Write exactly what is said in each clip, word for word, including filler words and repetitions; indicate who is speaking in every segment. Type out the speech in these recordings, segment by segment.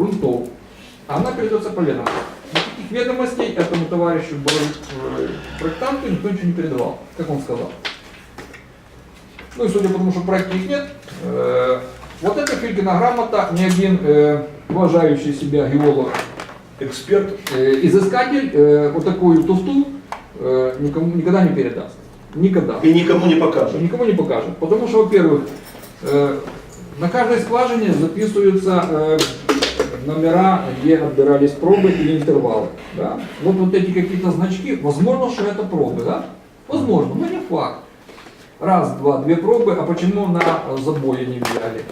Speaker 1: грунтов. Она передается по ведомству. Никаких ведомостей этому товарищу, проектанту, никто ничего не передавал, как он сказал. Ну и судя по тому, что проекта их нет, э, вот эта Филькина грамота ни один э, уважающий себя геолог,
Speaker 2: Эксперт.
Speaker 1: э, изыскатель э, вот такую туфту э, никому никогда не передаст. Никогда.
Speaker 2: И никому не покажет.
Speaker 1: Никому не покажет. Потому что, во-первых, э, на каждой скважине записываются э, номера, где отбирались пробы или интервалы. Да? Вот, вот эти какие-то значки, возможно, что это пробы, да? Возможно, но не факт. Раз, два, две пробы, а почему на забое не взяли?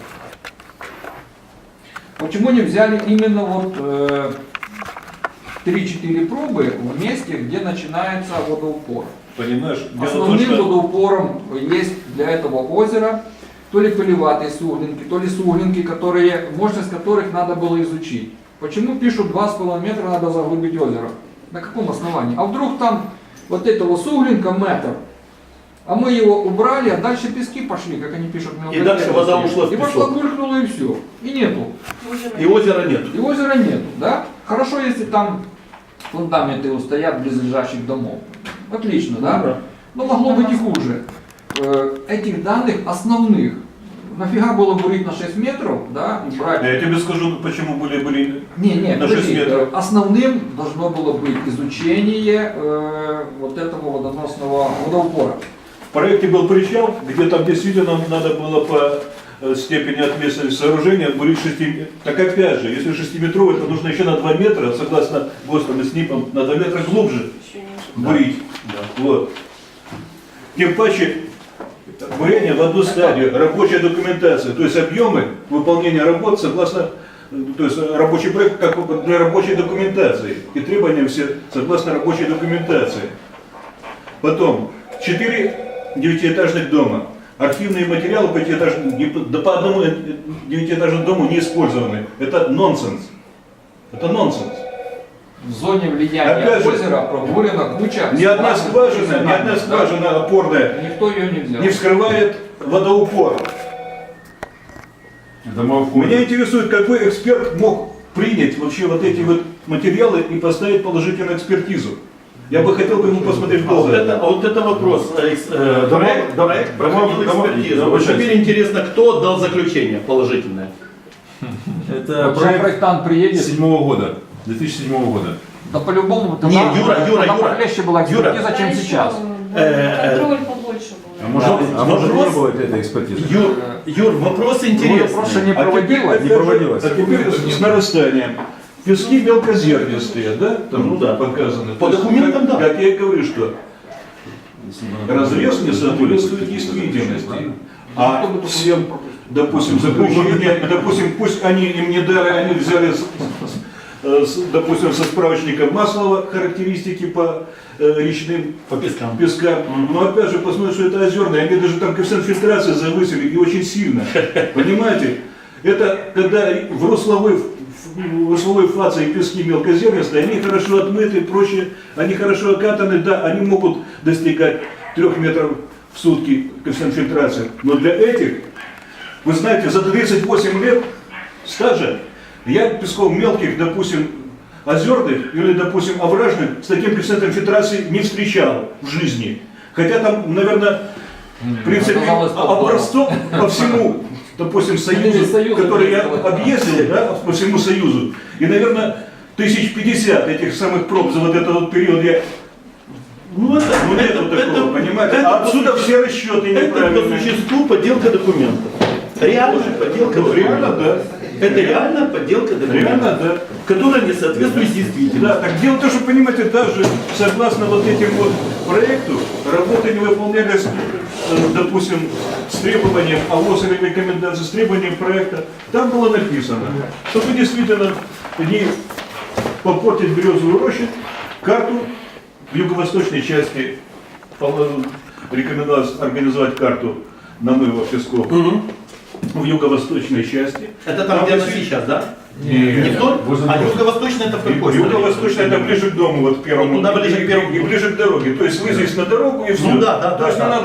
Speaker 1: Почему не взяли именно вот э, три-четыре пробы в месте, где начинается водоупор?
Speaker 2: Понимаешь?
Speaker 1: Основным что... водоупором есть для этого озера то ли пылеватые суглинки, то ли суглинки, которые, мощность которых надо было изучить. Почему пишут два с половиной метра надо заглубить озеро? На каком основании? А вдруг там вот этого суглинка метр, а мы его убрали, а дальше пески пошли, как они пишут.
Speaker 2: И дальше вода ушла в
Speaker 1: И
Speaker 2: песок.
Speaker 1: пошла, булькнула и все. И нету.
Speaker 2: И озера нет.
Speaker 1: И озера нету, да? Хорошо, если там фундаменты устоят близлежащих домов. Отлично, да?
Speaker 2: Да.
Speaker 1: Но могло быть и хуже. Э, Этих данных основных. Нафига было бурить на шесть метров, да, и брать...
Speaker 2: Я тебе скажу, почему были, были
Speaker 1: Не, не,
Speaker 2: на шесть
Speaker 1: подожди,
Speaker 2: метров.
Speaker 1: э, основным должно было быть изучение э, вот этого водоносного водоупора.
Speaker 2: В проекте был причал, где там действительно надо было по э, степени ответственности сооружения бурить шести. Так опять же, если шестиметровый, то нужно еще на два метра, согласно ГОСТам и СНИПам, на два метра глубже бурить.
Speaker 3: Да.
Speaker 2: Вот. Тем паче, бурение в одну стадию, рабочая документация, то есть объемы выполнения работ согласно, то есть рабочий проект как для рабочей документации и требования все согласно рабочей документации. Потом, четыре девятиэтажных дома. Архивные материалы по, этажным, да по одному девятиэтажному дому не использованы. Это нонсенс. Это нонсенс.
Speaker 1: В зоне влияния
Speaker 2: Опять же,
Speaker 1: озера пробурена куча...
Speaker 2: Ни одна скважина, ни одна скважина опорная
Speaker 1: Никто ее не взял.
Speaker 2: не вскрывает водоупор. Меня интересует, какой эксперт мог принять вообще вот эти вот материалы и поставить положительную экспертизу. Я бы хотел бы ему посмотреть в
Speaker 3: А вот
Speaker 2: глаза.
Speaker 3: это, а вот это вопрос. Э, э,
Speaker 4: Дома-
Speaker 3: проект,
Speaker 4: дома-
Speaker 3: проект
Speaker 4: дома-
Speaker 3: проходил
Speaker 4: дома-
Speaker 3: экспертизу.
Speaker 4: дома-
Speaker 3: Вот
Speaker 4: дома-
Speaker 3: теперь интересно, кто дал заключение положительное.
Speaker 4: Это
Speaker 1: Вот сейчас
Speaker 4: проект
Speaker 1: проектант приедет,
Speaker 4: седьмого года, две тысячи седьмого года.
Speaker 1: да по-любому тогда,
Speaker 3: Не, Юра, Юра,
Speaker 1: тогда
Speaker 3: Юра.
Speaker 1: похлеще была
Speaker 3: Юра.
Speaker 1: экспертиза, чем сейчас.
Speaker 3: Э,
Speaker 5: Контроль побольше был.
Speaker 4: А может,
Speaker 3: Да,
Speaker 4: а может
Speaker 3: вопрос-
Speaker 4: не было этой экспертизы?
Speaker 3: Юр, Юр, вопрос интересный.
Speaker 1: Просто не
Speaker 2: А теперь,
Speaker 1: проводилось.
Speaker 2: опять
Speaker 4: не
Speaker 2: же,
Speaker 4: проводилось.
Speaker 2: А теперь с нарастанием. Пески мелкозернистые, да? Там
Speaker 3: Ну да.
Speaker 2: показаны.
Speaker 3: По
Speaker 2: То есть,
Speaker 3: документам,
Speaker 2: как,
Speaker 3: да.
Speaker 2: Как я и говорю, что разрез не соответствует действительности. А всем, допустим, заключение, допустим, пусть они им не дали, они взяли, с- с- с, допустим, со справочника Маслова характеристики по э, речным
Speaker 3: По пескам.
Speaker 2: пескам. Но опять же, посмотрим, что это озерные, они даже там коэффициент фильтрации завысили и очень сильно. Понимаете? Это когда в русловой, в русловой фазе и пески мелкозернистые, они хорошо отмыты и прочее, они хорошо окатаны, да, они могут достигать трех метров в сутки коэффициент фильтрации. Но для этих, вы знаете, за тридцать восемь лет стажа я песков мелких, допустим, озерных или, допустим, овражных с таким коэффициентом фильтрации не встречал в жизни. Хотя там, наверное, в принципе,
Speaker 1: Оказалось, попало.
Speaker 2: образцов по всему, допустим, Союзу,
Speaker 1: Союзу
Speaker 2: который я
Speaker 1: сделать,
Speaker 2: объездил, да, по всему Союзу, и, наверное, тысяч пятьдесят этих самых проб за вот этот вот период я...
Speaker 3: Ну, это,
Speaker 2: Ну нет
Speaker 3: это,
Speaker 2: вот такого,
Speaker 3: это-
Speaker 2: понимаете?
Speaker 3: это
Speaker 2: А отсюда
Speaker 3: по существу-
Speaker 2: все расчеты
Speaker 3: Это по
Speaker 2: неправильные.
Speaker 3: существу подделка документов. Реально подделка
Speaker 2: Ну, реально,
Speaker 3: документов.
Speaker 2: да.
Speaker 3: Это реально подделка документов.
Speaker 2: Реально, да.
Speaker 3: Которая не соответствует действительности.
Speaker 2: Да, так дело в том, что, понимаете, даже согласно вот этим вот проекту, работы не выполнялись, э, допустим, с требованием АОС или рекомендаций, с требованием проекта. Там было написано, чтобы действительно не попортить березовую рощу, карту в юго-восточной части пол- рекомендовалось организовать карту намыва песков
Speaker 3: Мгм.
Speaker 2: в юго-восточной части.
Speaker 3: Это там, где она
Speaker 2: если-
Speaker 3: сейчас, да?
Speaker 2: Нет.
Speaker 3: Не в той?
Speaker 4: Возле
Speaker 3: А
Speaker 4: дома.
Speaker 3: юго-восточная это в какой стороне?
Speaker 2: Юго-восточная это ближе к дому, вот к первому.
Speaker 3: Вот туда ближе к первому.
Speaker 2: И ближе к дороге. То есть вы здесь на дорогу и все.
Speaker 3: Ну да, да,
Speaker 2: То
Speaker 3: да,
Speaker 2: есть
Speaker 3: да.
Speaker 2: не надо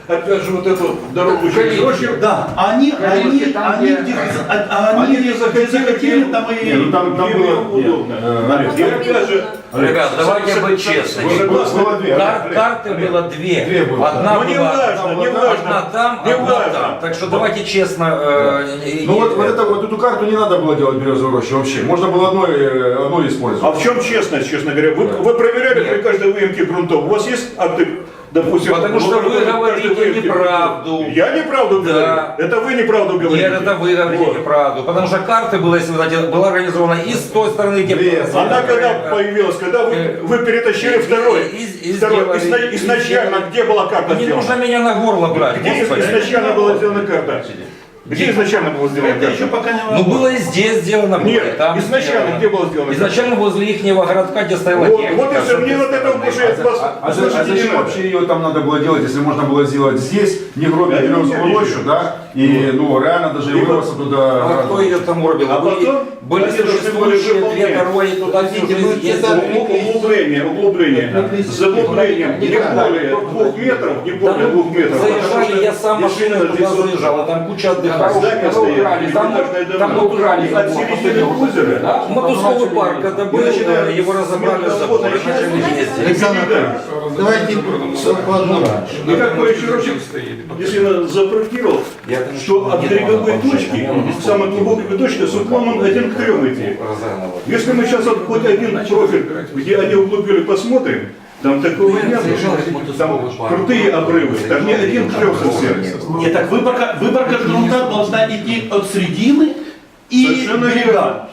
Speaker 2: опять же, вот эту дорогу через
Speaker 1: Конечно.
Speaker 2: рощу.
Speaker 3: Да, они,
Speaker 1: Конечно,
Speaker 3: они,
Speaker 1: там,
Speaker 3: они,
Speaker 1: где-
Speaker 3: где- а- а
Speaker 2: Они
Speaker 3: они
Speaker 2: не захотели,
Speaker 3: захотели,
Speaker 2: где-
Speaker 3: там
Speaker 2: Не,
Speaker 3: и...
Speaker 2: ну там, там
Speaker 3: где
Speaker 2: было
Speaker 3: им удобно.
Speaker 2: удобно. И опять же,
Speaker 5: Ребят, давайте
Speaker 2: со-
Speaker 5: быть
Speaker 2: со-
Speaker 5: честными.
Speaker 2: со- согласны?
Speaker 3: Было две.
Speaker 5: Кар- карты было две.
Speaker 3: Две было,
Speaker 5: Одна
Speaker 2: Ну, не
Speaker 5: была
Speaker 2: важно, не
Speaker 5: одна
Speaker 2: важно.
Speaker 5: там,
Speaker 2: Не
Speaker 5: одна
Speaker 2: важно.
Speaker 5: там. Так что давайте честно. э, и-
Speaker 6: Ну
Speaker 5: и-
Speaker 6: вот, вот, это, вот эту карту не надо было делать березовой рощи вообще. Можно было одной, э, одной
Speaker 2: А
Speaker 6: использовать.
Speaker 2: в чем честность, честно говоря? Вы, вы проверяли
Speaker 5: Нет.
Speaker 2: при каждой выемке грунтов? У вас есть акты, допустим...
Speaker 5: Потому что вы
Speaker 2: каждой
Speaker 5: говорите
Speaker 2: выемки
Speaker 5: неправду.
Speaker 2: грунтов? Я неправду
Speaker 5: Да.
Speaker 2: говорю. Это вы неправду говорите.
Speaker 5: Нет, это вы говорите
Speaker 2: Вот.
Speaker 5: неправду. Потому что карты было, если вы знаете, была организована и с той стороны, где...
Speaker 6: Лес.
Speaker 2: Она когда появилась, когда вы,
Speaker 5: Э,
Speaker 2: вы перетащили
Speaker 5: и-
Speaker 2: второй,
Speaker 5: и- и- и
Speaker 2: второй
Speaker 5: сделали-
Speaker 2: изна-
Speaker 5: и
Speaker 2: изначально,
Speaker 5: сделали.
Speaker 2: где была карта
Speaker 5: Не
Speaker 2: сделана?
Speaker 5: нужно меня на горло брать,
Speaker 2: Где
Speaker 5: господи.
Speaker 2: изначально была сделана карта? Где изначально была сделана
Speaker 3: Это еще
Speaker 2: карта?
Speaker 3: пока не
Speaker 5: Ну было и здесь сделано. было, и
Speaker 2: Нет,
Speaker 5: там
Speaker 2: изначально
Speaker 5: сделано.
Speaker 2: где была сделана карта?
Speaker 5: Изначально возле ихнего городка, где стояла
Speaker 2: Вот,
Speaker 5: техника.
Speaker 2: вот и все, мне вот это больше от вас
Speaker 6: А, а за- а
Speaker 2: услышать не
Speaker 6: зачем
Speaker 2: надо.
Speaker 6: вообще ее там надо было делать, если можно было сделать здесь, не гробить
Speaker 2: Да, я
Speaker 6: березовую
Speaker 2: не
Speaker 6: рощу,
Speaker 2: вижу.
Speaker 6: да? И ну реально даже
Speaker 2: И
Speaker 6: и
Speaker 2: вот-
Speaker 6: вырваться
Speaker 5: А
Speaker 6: туда.
Speaker 5: кто ее там уробил?
Speaker 2: А
Speaker 5: Были-
Speaker 2: потом
Speaker 5: были
Speaker 2: они должны были
Speaker 5: существующие две
Speaker 2: выполнять.
Speaker 5: дороги, туда
Speaker 7: Подождите,
Speaker 5: снизу
Speaker 7: мы
Speaker 5: есть.
Speaker 7: сюда-
Speaker 2: Углубление, углубление. С заглублением не более двух метров, не более
Speaker 5: Там
Speaker 2: двух метров. потому
Speaker 5: заезжали,
Speaker 2: что
Speaker 5: я сам машиной
Speaker 2: действительно
Speaker 5: туда
Speaker 2: здесь вот
Speaker 5: заезжал, а там куча
Speaker 2: здание
Speaker 5: отдыхающих.
Speaker 2: стоит,
Speaker 1: убрали, там-
Speaker 2: пятиэтажное
Speaker 1: там
Speaker 2: дома.
Speaker 1: убрали
Speaker 2: И от
Speaker 1: забор,
Speaker 2: середины
Speaker 1: последнего
Speaker 2: озера.
Speaker 1: Да?
Speaker 5: Мотузковый парк, когда был,
Speaker 2: начинаем-
Speaker 5: его разобрали
Speaker 2: с-
Speaker 5: забор, и
Speaker 2: начинаем-
Speaker 5: начали ездить.
Speaker 7: Александр Анатольевич, давайте по одному.
Speaker 2: И как бы еще раз, если я запроектировал,
Speaker 5: Я там
Speaker 2: что
Speaker 5: еще
Speaker 2: от
Speaker 5: не
Speaker 2: береговой
Speaker 5: думал,
Speaker 2: точки,
Speaker 5: вообще,
Speaker 2: к самой глубокой точке, с уклоном один к трем идти.
Speaker 5: Разогнал.
Speaker 2: Если мы сейчас вот хоть один профиль, где они углубили, посмотрим, там такого нет. Там крутые обрывы, там не один к трем совсем.
Speaker 3: Нет, так выборка, выборка грунта должна идти от середины и
Speaker 2: Совершенно
Speaker 3: берега.
Speaker 2: верно.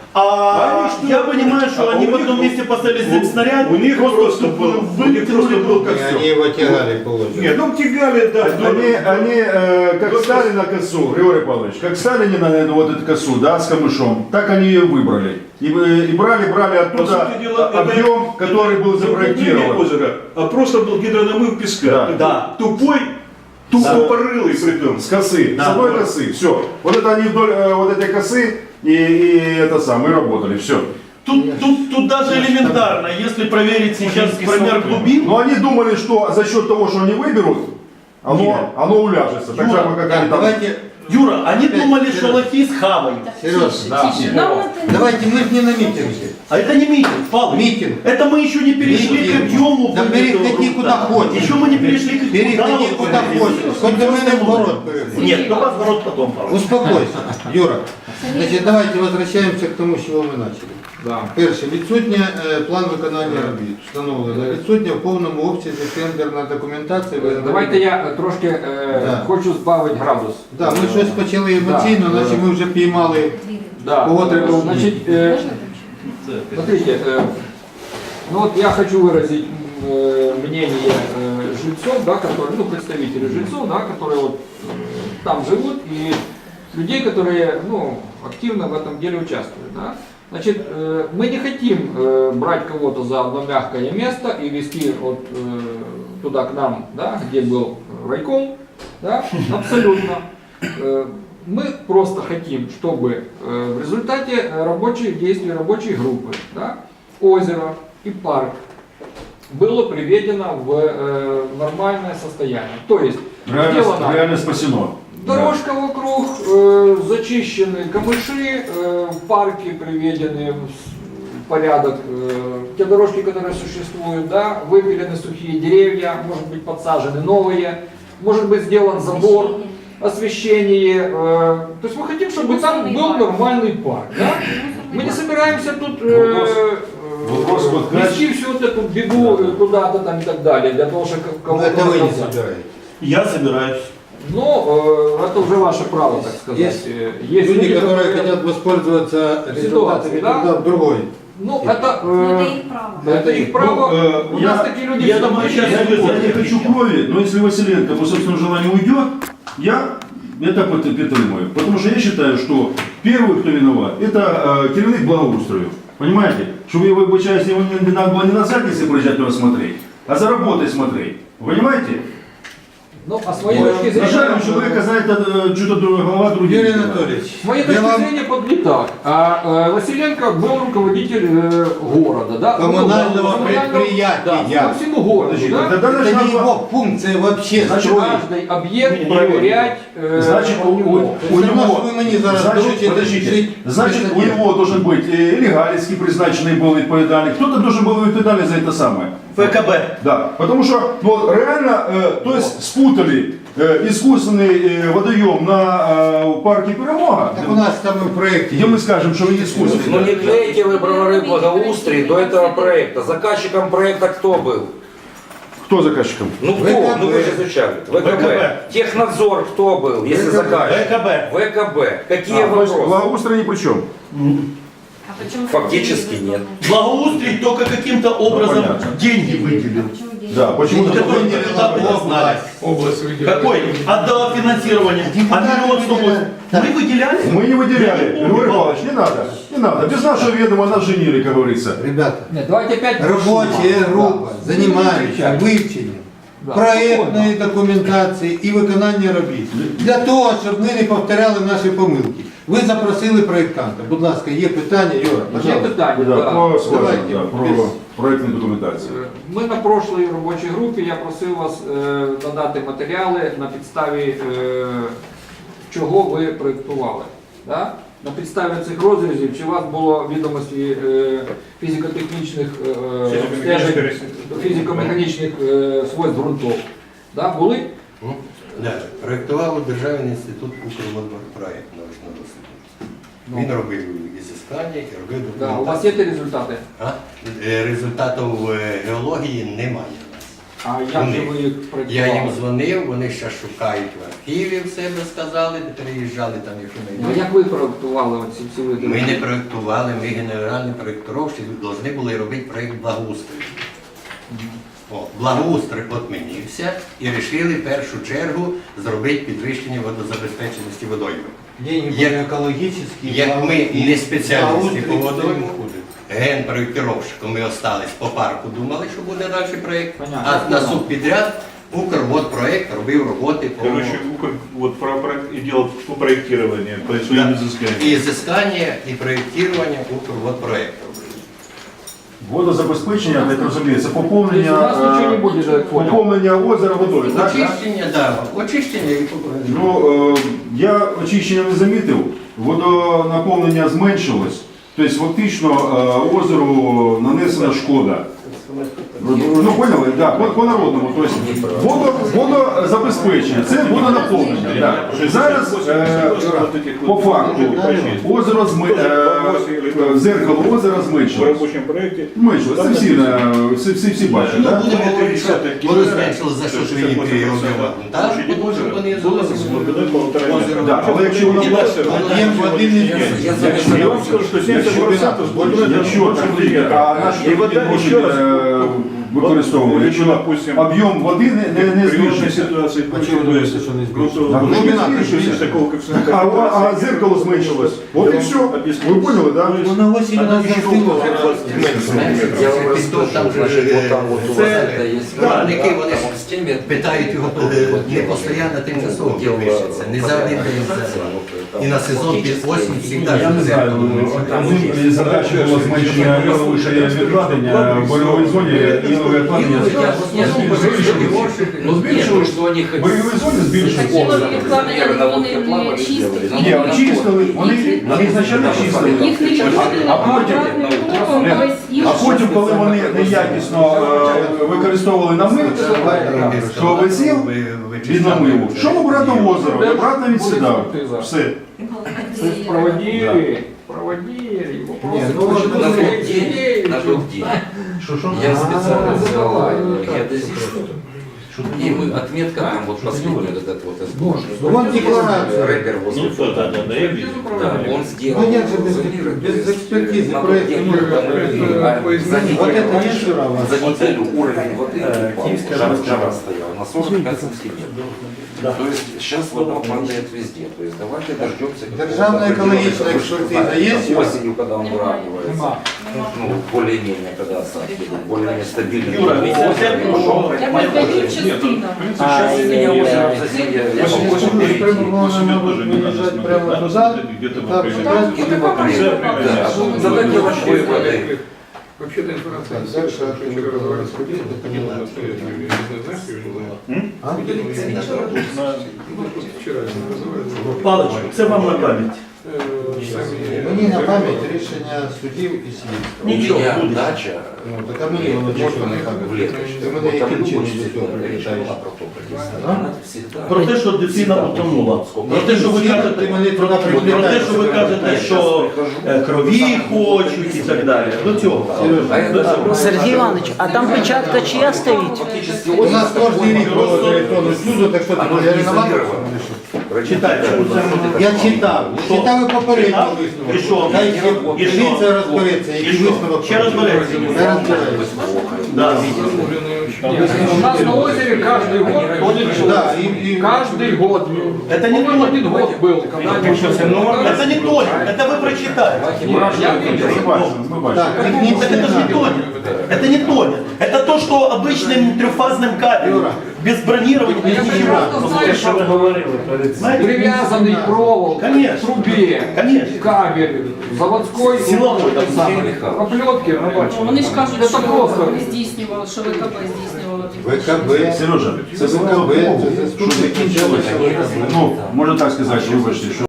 Speaker 3: А
Speaker 2: Они что?
Speaker 3: я понимаю, что
Speaker 2: А
Speaker 3: они
Speaker 2: у
Speaker 3: в
Speaker 2: них-
Speaker 3: одном месте поставили
Speaker 2: у-
Speaker 3: снаряд,
Speaker 2: у них просто
Speaker 3: просто
Speaker 2: был- у них просто
Speaker 3: вытянули
Speaker 2: был
Speaker 3: друг
Speaker 7: И они его тягали, получается.
Speaker 2: Нет, ну тягали, да.
Speaker 6: Они, они э, как
Speaker 2: Вот
Speaker 6: стали на косу, Григорий Павлович, как стали они на эту вот эту косу, да, с камышом, так они ее выбрали. И, э, и брали, брали
Speaker 2: По
Speaker 6: оттуда
Speaker 2: сути дела, это-
Speaker 6: объем, который был
Speaker 2: это не
Speaker 6: запроектирован.
Speaker 2: озеро, а просто был гидронамыв песка.
Speaker 6: Да.
Speaker 2: Такой
Speaker 3: Да.
Speaker 2: Тупой, тупопорылый при том.
Speaker 6: С косы,
Speaker 3: Да.
Speaker 6: с одной косы, все. Вот это они вдоль э, вот этой косы и, и это самое, и работали, все.
Speaker 3: Тут, тут, тут даже элементарно, если проверить сейчас промер глубин,
Speaker 6: Но они думали, что за счет того, что они выберут, оно,
Speaker 3: Нет.
Speaker 6: оно уляжется. Так
Speaker 3: Юра,
Speaker 6: само, как
Speaker 7: Так,
Speaker 6: они там.
Speaker 7: давайте,
Speaker 3: Юра, они
Speaker 7: Опять,
Speaker 3: думали,
Speaker 7: Сереж.
Speaker 3: что лохи схавают.
Speaker 7: Сереж,
Speaker 6: Да.
Speaker 7: давайте мы же не на митинге.
Speaker 3: А это не митинг, Павлович.
Speaker 7: Митинг.
Speaker 3: Это мы еще не перешли
Speaker 7: Митинг.
Speaker 3: к объему.
Speaker 7: Да
Speaker 3: вот
Speaker 7: переходи
Speaker 3: этого
Speaker 7: куда
Speaker 3: грунта.
Speaker 7: хочешь.
Speaker 3: Еще мы не перешли к
Speaker 7: Переходи
Speaker 3: вот
Speaker 7: куда
Speaker 3: вот
Speaker 7: хочешь.
Speaker 3: это.
Speaker 7: Хоть до мене в
Speaker 3: Остальное.
Speaker 7: город переходи.
Speaker 3: Нет, до вас в город потом, Павлович.
Speaker 7: Успокойся, Юра. Значить, давайте возвращаємося к тому, з чого ми почали.
Speaker 1: Да.
Speaker 7: Перше, відсутня е, план виконання робіт. Встановлено. Відсутня в повному обсязі тендерна документація. Ви-
Speaker 1: Давайте я е, трошки е,
Speaker 7: Да.
Speaker 1: хочу збавити градус.
Speaker 7: Да, ми щось почали емоційно,
Speaker 1: Да.
Speaker 7: наче ми вже піймали.
Speaker 1: Да.
Speaker 7: Кого треба вбити?
Speaker 1: Значит, э, смотрите, э, ну вот я хочу выразить э, мнение э, жильцов, да, которые, ну, представителей жильцов, да, которые вот э, там живут, и людей, которые, ну, активно в этом деле участвуют, да. Значит, э, мы не хотим э, брать кого-то за одно мягкое место и вести вот э, туда к нам, да, где был райком, да, абсолютно. Э, Мы просто хотим, чтобы э, в результате э, рабочих действий рабочей группы, да, озеро и парк было приведено в э, нормальное состояние. То есть
Speaker 6: Реально,
Speaker 1: сделано
Speaker 6: реально спасено.
Speaker 1: дорожка вокруг, э, зачищены камыши, э, парки приведены в с- в порядок, э, те дорожки, которые существуют, да, выпилены сухие деревья, может быть подсажены новые, может быть сделан забор, освещение. э, То есть мы хотим, чтобы там был нормальный парк. Да? Мы не собираемся тут э,
Speaker 6: Вопрос-
Speaker 1: э,
Speaker 6: вопрос вот как-
Speaker 1: вести всю вот эту беду э, куда-то там и так далее, для того, чтобы
Speaker 7: Ну,
Speaker 1: кого-то
Speaker 7: это вы не
Speaker 1: наказать.
Speaker 7: собираете.
Speaker 3: Я собираюсь.
Speaker 1: Ну, э, это уже ваше право, так сказать.
Speaker 7: Есть
Speaker 1: Э, Есть
Speaker 7: Люди, которые хотят воспользоваться результатами
Speaker 1: Ситуация, да?
Speaker 7: труда в другой.
Speaker 1: Ну, это,
Speaker 8: Ну,
Speaker 1: э,
Speaker 8: это их право.
Speaker 1: это их право.
Speaker 6: Ну, э,
Speaker 1: У
Speaker 6: я-
Speaker 1: нас такие люди
Speaker 3: я
Speaker 1: всегда
Speaker 3: думаю,
Speaker 1: есть.
Speaker 3: сейчас
Speaker 6: Я,
Speaker 3: я
Speaker 6: я не хочу крови, но если Василенко по собственному желанию уйдет, я это пот- підтримую. Потому что я считаю, что первый, кто виноват, это э, керівник благоустрою. Понимаете? Чтобы его, обучаясь, его не, не надо было не на заднице приезжать его смотреть, а за работой смотреть. Вы понимаете?
Speaker 1: Ну, а с моей точки
Speaker 6: На жаль, у
Speaker 1: зрения,
Speaker 6: человека знает э, что-то голова других.
Speaker 7: Юрий Анатольевич,
Speaker 1: с моей
Speaker 7: я
Speaker 1: точки
Speaker 7: вам
Speaker 1: зрения под не так. А э, Василенко был руководитель э, города, да?
Speaker 7: коммунального
Speaker 1: Ну,
Speaker 7: предприятия.
Speaker 1: Да, по всему городу,
Speaker 6: Подожди,
Speaker 1: да?
Speaker 6: тогда
Speaker 7: это
Speaker 6: значит,
Speaker 7: не
Speaker 6: надо-
Speaker 7: его функция вообще
Speaker 6: Значит,
Speaker 7: строить.
Speaker 1: Каждый объект
Speaker 2: Не, не,
Speaker 1: проверять. э,
Speaker 6: Значит, у, у, у
Speaker 7: Все равно,
Speaker 6: него,
Speaker 7: что вы мне зараз
Speaker 6: значит,
Speaker 7: доручите
Speaker 6: подождите,
Speaker 7: жить
Speaker 6: значит,
Speaker 7: без
Speaker 6: у
Speaker 7: отдела.
Speaker 6: него должен быть э, или Галицкий призначенный был відповідальний, кто-то должен был відповідальний за это самое.
Speaker 3: ФКБ.
Speaker 6: Да, потому что ну, реально, э, то есть спутали э, искусственный э, водоем на э, парке Перемога,
Speaker 7: Так у нас там и в проекте.
Speaker 6: где мы скажем, что он
Speaker 5: Ну
Speaker 6: искусственный.
Speaker 5: не клейте вы бровары благоустрии до этого проекта. Заказчиком проекта кто был?
Speaker 6: Кто заказчиком?
Speaker 5: Ну кто?
Speaker 7: ВКБ.
Speaker 5: Ну вы же изучали. ВКБ.
Speaker 3: ВКБ.
Speaker 5: Технадзор кто был, если
Speaker 7: ВКБ.
Speaker 5: заказчик?
Speaker 3: ВКБ.
Speaker 5: ВКБ. Какие
Speaker 6: А, то есть
Speaker 5: вопросы?
Speaker 6: благоустрой ни при чем.
Speaker 8: А почему
Speaker 5: Фактически
Speaker 8: это
Speaker 5: нет.
Speaker 3: Благоустрий только каким-то образом
Speaker 6: понятно.
Speaker 3: деньги выделил.
Speaker 8: Почему деньги?
Speaker 6: Да, почему-то
Speaker 3: Который
Speaker 6: такой-
Speaker 3: депутаты не знали.
Speaker 7: Область
Speaker 3: Какой? Отдала финансирование. А миллион сто восемь.
Speaker 7: Так.
Speaker 3: Мы выделяли?
Speaker 6: Мы не выделяли.
Speaker 3: Я не помню.
Speaker 6: Григорий Павлович, не надо, не надо. Без нашего ведома нас женили, как говорится.
Speaker 7: Ребята,
Speaker 1: Нет, давайте опять...
Speaker 7: робочая
Speaker 1: Да.
Speaker 7: група
Speaker 1: Не
Speaker 7: займається
Speaker 1: кричать.
Speaker 7: вивченням
Speaker 1: Да,
Speaker 7: проєктної документації і виконання робіт. Для того, щоб ми не повторяли наші помилки. Ви запросили проєктанта. Будь ласка, є питання, Юра,
Speaker 1: Є
Speaker 7: пожалуйста.
Speaker 1: питання,
Speaker 6: Да,
Speaker 1: да.
Speaker 6: про, скажем,
Speaker 7: Давайте,
Speaker 6: да, про
Speaker 7: без-
Speaker 6: проектную документацию.
Speaker 1: Ми на прошлій робочій групі, я просив вас е, надати матеріали на підставі е, чого ви проєктували. Да? На підставі цих розрізів, чи у вас було відомості е, фізико-технічних е,
Speaker 2: Фізико-механічних
Speaker 1: стежень, фізико-механічних е, свойств ґрунтов? Да? Були?
Speaker 9: Да, проєктував Державний інститут Укрводпроект научного досліду.
Speaker 1: Ну.
Speaker 9: Він робив ізіскання і робив
Speaker 1: Да. У вас є
Speaker 9: документацію.
Speaker 1: ті результати?
Speaker 9: А? Е, Результатів е, геології немає у нас.
Speaker 1: А як же
Speaker 9: Вони.
Speaker 1: ви їх
Speaker 9: Я
Speaker 1: проєктували?
Speaker 9: їм дзвонив, вони ще шукають в архіві в себе, сказали, де приїжджали там, якщо
Speaker 1: Ну,
Speaker 9: не
Speaker 1: як ви проєктували оці всі види?
Speaker 9: Ми не проєктували, ми генеральні проєктировщики повинні були робити проєкт благоустрою. О, благоустрій отмінився і вирішили в першу чергу зробити підвищення водозабезпеченості водойми.
Speaker 7: Деньги
Speaker 9: Як-
Speaker 7: були екологічні.
Speaker 9: Як ми не спеціалісти по
Speaker 7: благоустрій
Speaker 9: водойму,
Speaker 7: хуже.
Speaker 9: генпроєктировщиком ми остались по парку, думали, що буде далі проєкт,
Speaker 1: Понятно.
Speaker 9: а на субпідряд Укрводпроект робив роботи по
Speaker 2: Короче, Укр вот про проект и делал по проектированию, по своим
Speaker 9: Да.
Speaker 2: изысканиям.
Speaker 9: і зіскання, і проєктування Укрводпроекту.
Speaker 6: Водозабезпечення, як розуміється,
Speaker 1: Тобто у
Speaker 6: поповнення,
Speaker 1: нас нічого не
Speaker 6: е,
Speaker 1: буде, я так понял.
Speaker 6: поповнення озера водою, так? да?
Speaker 9: Очищення, так, очищення і
Speaker 6: Ну, е, я очищення не замітив, водонаповнення зменшилось, тобто фактично е, озеру нанесена шкода. Ну, поняли? Да, по, по народному. Тобто водо, водозабезпечення, це водонаповнення. Да. Зараз е, по факту озеро зми, е, е, зеркало озера
Speaker 2: В
Speaker 6: зменшилось.
Speaker 2: рабочем проекте.
Speaker 6: Зменшилось, це всі, е, всі, всі, всі бачать.
Speaker 9: Ну,
Speaker 6: Да?
Speaker 9: будемо говорити, що
Speaker 2: десяток
Speaker 9: воно
Speaker 2: кілометрів,
Speaker 9: зменшилось за що
Speaker 2: це
Speaker 9: свої
Speaker 2: шістдесят вісім
Speaker 9: об'єми.
Speaker 2: відсотків.
Speaker 9: Так,
Speaker 2: Площади
Speaker 9: тому що
Speaker 2: озера
Speaker 9: вони
Speaker 2: було з глибини полтора метра.
Speaker 6: Да, але якщо воно
Speaker 2: І дальше,
Speaker 7: Об'єм води не
Speaker 5: Я
Speaker 7: зменшується.
Speaker 2: Я вам скажу, что семьдесят процентов с глубины
Speaker 6: Якщо
Speaker 2: до
Speaker 6: чоловік, а наші
Speaker 2: И вода
Speaker 6: люди
Speaker 2: еще раз
Speaker 6: е, використовуємо, якщо
Speaker 2: допустим,
Speaker 6: об'єм води не, не, не
Speaker 2: при природной
Speaker 6: збільшується.
Speaker 2: ситуации
Speaker 7: Почему
Speaker 2: то есть
Speaker 7: думаете, что не
Speaker 2: грунтовый
Speaker 6: А
Speaker 2: грунт
Speaker 6: глубина
Speaker 2: не
Speaker 6: не
Speaker 2: збільшується, такого коэффициента
Speaker 6: А, а, а
Speaker 2: концентрации.
Speaker 6: зеркало зменшилось. Вот и
Speaker 2: Я
Speaker 6: все.
Speaker 2: вам объясню.
Speaker 6: Вы поняли, да?
Speaker 2: То есть
Speaker 7: Ну, на осень
Speaker 2: она
Speaker 7: нас
Speaker 2: не
Speaker 7: застыла,
Speaker 2: щупала,
Speaker 7: она
Speaker 2: она двадцать сантиметров.
Speaker 5: Я вам расскажу,
Speaker 9: Там же
Speaker 5: значит,
Speaker 9: е,
Speaker 5: вот там вот у
Speaker 9: це-
Speaker 5: вас это есть.
Speaker 9: Виробники, вони
Speaker 5: Там в стеме
Speaker 9: питають його е, не постійно тимчасово підвищиться, не за один день за. І на сезон під осінь завжди
Speaker 6: Я не знаю, одним із задач було зменшення вище відкладення в бойовій зоні і відкладення.
Speaker 5: Ну, збільшили, що вони
Speaker 6: В бойовій зоні збільшилось.
Speaker 8: Вони не чистили.
Speaker 6: Ні, очистили, вони, вони значально чистили.
Speaker 8: Їх не відходили,
Speaker 6: А потім, а потім, коли вони неякісно е, використовували намив, що висів від намиву, що обратно в озеро, обратно відсідав. Все.
Speaker 1: То есть проводили, проводили, вопросы.
Speaker 7: Не, ну,
Speaker 1: почему
Speaker 7: вот
Speaker 5: на
Speaker 1: не
Speaker 5: тот день,
Speaker 1: проводили?
Speaker 5: на тот день.
Speaker 6: Що, що?
Speaker 5: Я специально взяла
Speaker 7: А,
Speaker 5: геодезисту. И мы отметка там вот последний вот этот вот сбор.
Speaker 7: Ну, вон декларация.
Speaker 5: Рэпер возле
Speaker 2: Ну, да, да, да, я
Speaker 1: Без
Speaker 2: вижу.
Speaker 5: Да,
Speaker 1: управления.
Speaker 5: он сделал.
Speaker 7: Ну, нет же без-
Speaker 5: замеры,
Speaker 7: без
Speaker 5: то есть
Speaker 7: экспертизы
Speaker 5: на тот
Speaker 7: проект
Speaker 5: день,
Speaker 7: не может
Speaker 5: когда мы
Speaker 7: быть,
Speaker 5: были, а
Speaker 1: по
Speaker 5: за неделю
Speaker 7: Вот это
Speaker 5: раньше,
Speaker 7: есть вчера у вас.
Speaker 5: за неделю уровень воды упал,
Speaker 2: Киевская
Speaker 5: жара,
Speaker 2: область.
Speaker 5: жара стояла на сорок пять сантиметров.
Speaker 3: Да.
Speaker 5: То есть сейчас вода падает везде. То есть давайте дождемся.
Speaker 7: Державная экологическая экспертиза есть?
Speaker 5: Осенью, когда он выравнивается.
Speaker 1: Нема.
Speaker 5: Ну, более-менее, когда осадки идут, более-менее стабильно.
Speaker 3: Юра,
Speaker 5: Ну,
Speaker 3: ведь
Speaker 5: озеро,
Speaker 3: совсем
Speaker 5: ну,
Speaker 3: ну,
Speaker 8: Я
Speaker 3: моя
Speaker 8: передаю
Speaker 3: позиция.
Speaker 8: частину.
Speaker 5: А, у меня озеро в соседе. Я
Speaker 2: Восемь
Speaker 5: могу
Speaker 2: восемь
Speaker 5: перейти.
Speaker 2: восемь тоже не надо
Speaker 7: выезжать
Speaker 2: смотреть.
Speaker 7: прямо
Speaker 2: Надо
Speaker 7: туда,
Speaker 2: смотреть где-то в
Speaker 7: там
Speaker 2: апреле.
Speaker 7: туда,
Speaker 2: месяце.
Speaker 8: и какой
Speaker 2: Конце
Speaker 8: проблема?
Speaker 2: апреля.
Speaker 5: Да.
Speaker 2: Да.
Speaker 5: Задайте ручной воды.
Speaker 10: Вообще-то информация
Speaker 7: Дальше
Speaker 10: очень
Speaker 7: активно
Speaker 10: разговаривать
Speaker 7: разговаривать.
Speaker 10: это не нужно обстоятельно. Я не знаю, что я
Speaker 7: А?
Speaker 10: вчера разговаривал.
Speaker 3: Палич, це вам на пам'ять.
Speaker 7: Мені на пам'ять рішення судів і слідства.
Speaker 5: У
Speaker 3: Ничего,
Speaker 5: меня
Speaker 3: будет.
Speaker 5: дача.
Speaker 7: Ну, так а мені воно чого не
Speaker 5: В
Speaker 7: пам'ять?
Speaker 5: леточке.
Speaker 7: Ти мене
Speaker 5: Вот там
Speaker 7: яким чином
Speaker 5: любой
Speaker 7: до цього
Speaker 5: всегда речь
Speaker 7: привітаєш?
Speaker 5: была про то, как
Speaker 7: А?
Speaker 5: Она всегда.
Speaker 3: Про те, що дитина потонула. Про те, що ви кажете,
Speaker 7: Ти мене туди
Speaker 3: про те,
Speaker 7: приплітаєш.
Speaker 3: що ви кажете, що е, крові хочуть і так далі. До цього.
Speaker 5: А
Speaker 11: Сергій Іванович, а там печатка чия стоїть?
Speaker 5: Фактически
Speaker 7: У нас
Speaker 5: озеро
Speaker 7: кожен рік
Speaker 5: такое,
Speaker 7: було електронну суду, так що ти
Speaker 5: Оно
Speaker 7: я
Speaker 5: не
Speaker 7: виноват?
Speaker 5: изолировано.
Speaker 3: Читайте.
Speaker 7: Я читав,
Speaker 3: Що?
Speaker 7: читав і попередній
Speaker 3: Читав?
Speaker 7: висновок.
Speaker 3: І що?
Speaker 7: Хай
Speaker 3: І що?
Speaker 7: дивіться, розбереться,
Speaker 3: І
Speaker 7: який
Speaker 3: що?
Speaker 7: висновок.
Speaker 3: Ще розбереться.
Speaker 7: Я розбираюся.
Speaker 3: Да.
Speaker 1: У нас на озере каждый год ходит
Speaker 7: Да,
Speaker 1: человек.
Speaker 7: и, и
Speaker 1: Каждый год.
Speaker 3: Это не
Speaker 1: По-моему,
Speaker 3: то.
Speaker 1: один год был. Когда
Speaker 3: Это не то, это вы прочитаете.
Speaker 1: я видел.
Speaker 6: Мы бачим, мы бачим.
Speaker 7: так,
Speaker 3: Это
Speaker 7: технічний
Speaker 3: же не
Speaker 7: аналіз.
Speaker 3: тонет. Это не тонет. Это то, что обычным трехфазным кабелем, без бронирования, без
Speaker 1: Я
Speaker 3: ничего.
Speaker 1: прекрасно знаю, что
Speaker 3: Знаете,
Speaker 1: привязанный провол
Speaker 3: Конечно.
Speaker 1: к трубе,
Speaker 3: Конечно.
Speaker 1: кабель, заводской,
Speaker 3: Силовой,
Speaker 1: ну,
Speaker 3: там,
Speaker 1: самый, проплетки,
Speaker 8: Ну, Вони ж кажуть,
Speaker 1: это
Speaker 8: що
Speaker 1: просто.
Speaker 8: вони здійснювали, що ВКБ здійснювало
Speaker 7: ВКБ.
Speaker 6: Сережа, це
Speaker 7: Це
Speaker 6: було
Speaker 7: ВКБ,
Speaker 6: того,
Speaker 7: це
Speaker 6: що закінчилося. Ну, можна так сказати, вибачте, що